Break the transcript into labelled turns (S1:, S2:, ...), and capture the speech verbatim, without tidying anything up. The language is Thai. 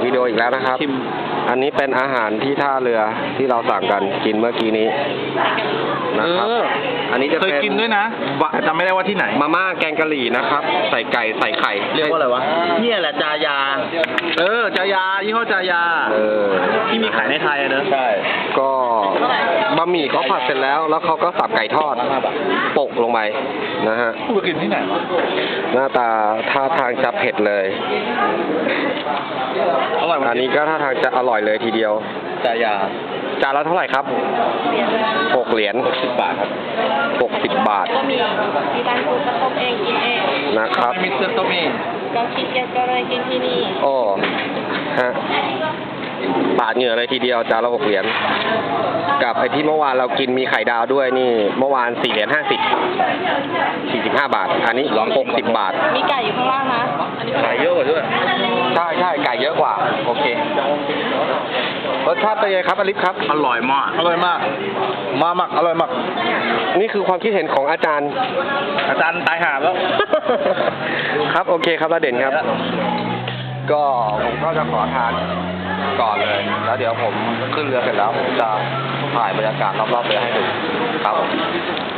S1: วิดีโออีกแล้วนะครับอันนี้เป็นอาหารที่ท่าเรือที่เราสั่งกันกินเมื่อกี้นี้นะครับอันนี้จะ
S2: เคยกินด้วยนะแต่จำไม่ได้ว่าที่ไหน
S1: มาม่าแกงกะหรี่นะครับใส่ไก่ใส่ไข่
S2: เรียกว่าอะไรวะเนี่ยแหละจายาเออจายายี่ห้อจายา
S1: เออ
S2: ที่มีขายในไทยอะเนอะใช่
S1: ก็บะหมี่เขาผัดเสร็จแล้วแล้วเขาก็สับไก่ทอดโปะลงไปนะฮะ
S2: กูไปกินที่ไหนวะ
S1: หน้าตาท่าทางจะเผ็ดเลยอันนี้ก็ท่าทางจะอร่อยเลยทีเดียว
S2: จายา
S1: จานละเท่าไหร่ครับหกเหรียญหกสิบบาทครับหกสิบบาท
S3: ก็มีมีการปลูกกระต้มเองกินเอง
S1: นะครับ
S2: มีเสื้อต้มเอง
S3: ก็คิดเก็ตก็เลยกินที่นี่
S1: โอ้ฮะปาดเหงื่อเลยทีเดียวจานละหกเหรียญกับไอ้ที่เมื่อวานเรากินมีไข่ดาวด้วยนี่เมื่อวานสี่เหรียญห้าสิบสี่สิบห้าบาทอันนี้หกสิบบาท
S3: มีไก่อยู่ข้างล่างนะ
S2: ไก่เยอะกว่าด้วย
S1: ใช่ใช่ไก่เยอะกว่าโอเครสชาติเป็นไงครับอลิฟครับ
S2: อร่อยมากอร่อยมากมากมากอร่อยมาก
S1: นี่คือความคิดเห็นของอาจารย์
S2: อาจารย์ตายหาแล้ว
S1: ครับโอเคครับระเด่นครับก็ผมก็จะขอทานก่อนเลยแล้วเดี๋ยวผมขึ้นเรือเสร็จแล้วผมจะถ่ายบรรยากาศรอบๆเรือให้ดูครับ